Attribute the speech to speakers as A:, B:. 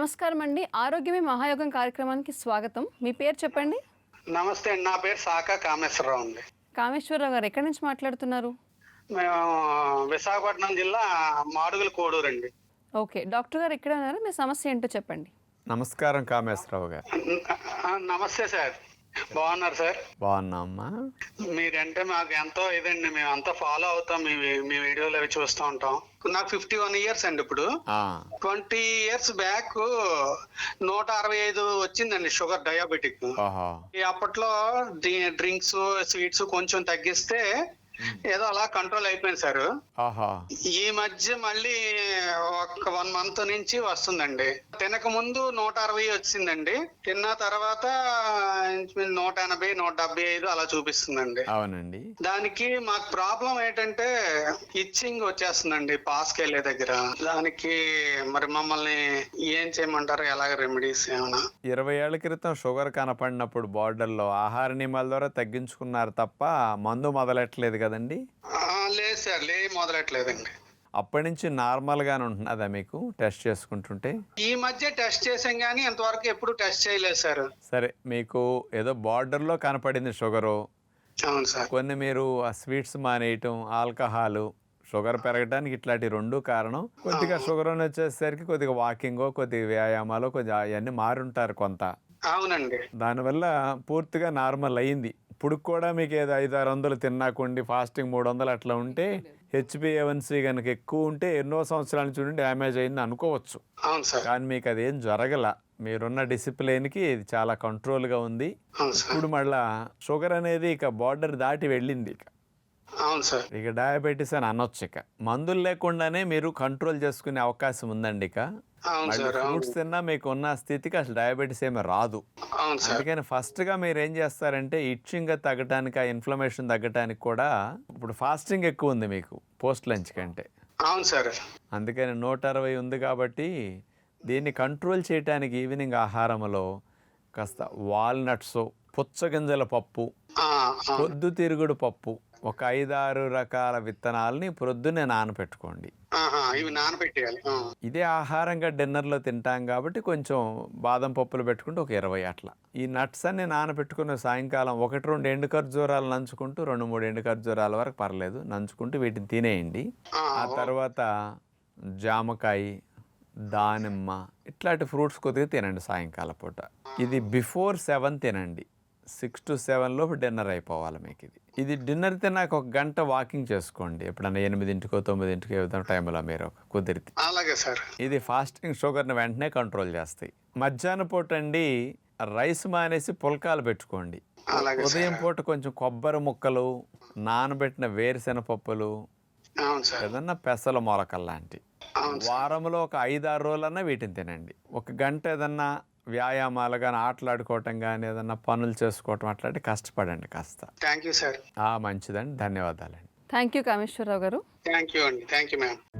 A: నమస్కారం అండి. ఆరోగ్యమే మహాయోగం కార్యక్రమానికి స్వాగతం. మీ పేరు చెప్పండి?
B: నమస్తే అండి. నా పేరు సాకా కామేశ్వరరావు అండి.
A: కామేశ్వరరావు గారు ఎక్కడి నుంచి మాట్లాడుతున్నారు?
B: మేము విశాఖపట్నం జిల్లా మాడుగుల కోడూరండి.
A: ఓకే. డాక్టర్ గారు ఎక్కడ ఉన్నారు? మీ సమస్య ఏంటో చెప్పండి.
C: నమస్కారం కామేశ్వరరావు గారు.
B: నమస్తే సార్. బాగున్నారు సార్?
C: బాగున్నామ్మా.
B: మీరంటే మాకు ఎంతో ఇదండి. మేమంతా ఫాలో అవుతాం. మీ వీడియోలు అవి చూస్తూ ఉంటాం. నాకు 51 ఇయర్స్ అండి. ఇప్పుడు 20 ఇయర్స్ బ్యాక్ 165 వచ్చిందండి షుగర్, డయాబెటిక్. అప్పట్లో డ్రింక్స్, స్వీట్స్ కొంచెం తగ్గిస్తే ఏదో అలా కంట్రోల్ అయిపోయింది సార్. ఈ మధ్య మళ్ళీ ఒక 1 మంత్ నుంచి వస్తుందండి. తినక ముందు 160 వచ్చిందండి. తిన్న తర్వాత 180, 175 అలా చూపిస్తుందండి.
C: అవునండి.
B: దానికి మాకు ప్రాబ్లం ఏంటంటే ఇచ్చింగ్ వచ్చేస్తుందండి పాస్కి వెళ్ళే దగ్గర. దానికి మరి మమ్మల్ని ఏం చేయమంటారు? ఎలాగ రెమెడీస్ ఏమైనా?
C: 20 ఏళ్ల క్రితం షుగర్ కనపడినప్పుడు బార్డర్లో ఆహార నియమాల ద్వారా తగ్గించుకున్నారు తప్ప మందు మొదలెట్టలేదు కదండి?
B: లేదు సార్, మొదలెట్టలేదండి.
C: అప్పటి నుంచి నార్మల్గానే ఉంటున్నదా మీకు టెస్ట్ చేసుకుంటుంటే?
B: ఈ మధ్య టెస్ట్ చేసాం కానీ ఇంతవరకు ఎప్పుడు టెస్ట్ చేయలేదు సార్.
C: సరే, మీకు ఏదో బార్డర్లో కనపడింది షుగరు.
B: అవును సార్.
C: కొన్ని మీరు ఆ స్వీట్స్ మానేయటం, ఆల్కహాలు, షుగర్ పెరగడానికి ఇట్లాంటి 2 కారణం. కొద్దిగా షుగర్ అని వచ్చేసరికి కొద్దిగా వాకింగో, కొద్దిగా వ్యాయామాలు, కొద్దిగా అవన్నీ మారుంటారు కొంత.
B: అవునండి.
C: దానివల్ల పూర్తిగా నార్మల్ అయ్యింది. ఇప్పుడు కూడా మీకు ఏదో 500-600 తిన్నాకుండి ఫాస్టింగ్ 300 అట్లా ఉంటే HbA1c కనుక ఎక్కువ ఉంటే ఎన్నో సంవత్సరాల నుంచి చూడండి డ్యామేజ్ అయింది అనుకోవచ్చు.
B: అవును సార్.
C: కానీ మీకు అదేం జరగల. మీరున్న డిసిప్లిన్కి ఇది చాలా కంట్రోల్గా ఉంది. ఇప్పుడు మళ్ళా షుగర్ అనేది ఇక బార్డర్ దాటి వెళ్ళింది.
B: అవును సార్.
C: ఇక డయాబెటీస్ అని అనొచ్చు. ఇక మందులు లేకుండానే మీరు కంట్రోల్ చేసుకునే అవకాశం ఉందండి. ఇక ఫ్రూట్స్ తిన్నా మీకు ఉన్న స్థితికి అసలు డయాబెటీస్ ఏమీ రాదు. అందుకని ఫస్ట్గా మీరు ఏం చేస్తారంటే ఇచ్చింగ్ తగ్గటానికి, ఆ ఇన్ఫ్లమేషన్ తగ్గటానికి కూడా ఇప్పుడు ఫాస్టింగ్ ఎక్కువ ఉంది మీకు పోస్ట్ లంచ్ కంటే.
B: అవును సార్.
C: అందుకని 160 ఉంది కాబట్టి దీన్ని కంట్రోల్ చేయడానికి ఈవినింగ్ ఆహారంలో కాస్త వాల్నట్స్, పుచ్చగింజల పప్పు, పొద్దుతిరుగుడు పప్పు, ఒక 5-6 రకాల విత్తనాలని ప్రొద్దునే నానపెట్టుకోండి.
B: ఇవి నానబెట్టేయాలి.
C: ఇదే ఆహారంగా డిన్నర్లో తింటాం కాబట్టి కొంచెం బాదం పప్పులు పెట్టుకుంటే ఒక 20 అట్లా. ఈ నట్స్ అన్ని నానబెట్టుకున్న సాయంకాలం 1-2 ఎండు ఖర్జూరాలు నంచుకుంటూ, 2-3 ఎండు ఖర్జూరాల వరకు పర్లేదు నంచుకుంటూ వీటిని తినేయండి. ఆ తర్వాత జామకాయ, దానిమ్మ ఇట్లాంటి ఫ్రూట్స్ కొద్దిగా తినండి సాయంకాలం పూట. ఇది బిఫోర్ 7 తినండి. 6 to 7 లోపు డిన్నర్ అయిపోవాలి మీకు. ఇది డిన్నర్ తిన్నాక 1 గంట వాకింగ్ చేసుకోండి. ఎప్పుడన్నా 8-9 ఏదో టైంలో మీరు కుదిరితే.
B: అలాగే సార్.
C: ఇది ఫాస్టింగ్ షుగర్ని వెంటనే కంట్రోల్ చేస్తాయి. మధ్యాహ్నం పూట అండి రైస్ మానేసి పుల్కాలు పెట్టుకోండి. ఉదయం పూట కొంచెం కొబ్బరి ముక్కలు, నానబెట్టిన వేరుశెనగ పప్పులు, ఏదన్నా పెసల మొలకలు లాంటివి. వారంలో ఒక 5-6 రోజులన్నా వీటిని తినండి. 1 గంట ఏదన్నా వ్యాయామాలు కానీ, ఆటలాడుకోవటం కానీ, ఏదన్నా పనులు చేసుకోవటం అట్లాంటి కష్టపడండి కాస్త.
B: Thank you sir.
C: మంచిదండి. ధన్యవాదాలండి.
A: థ్యాంక్ యూ కామేశ్వరరావు గారు.
B: థ్యాంక్ యూ అండి. Thank you ma'am.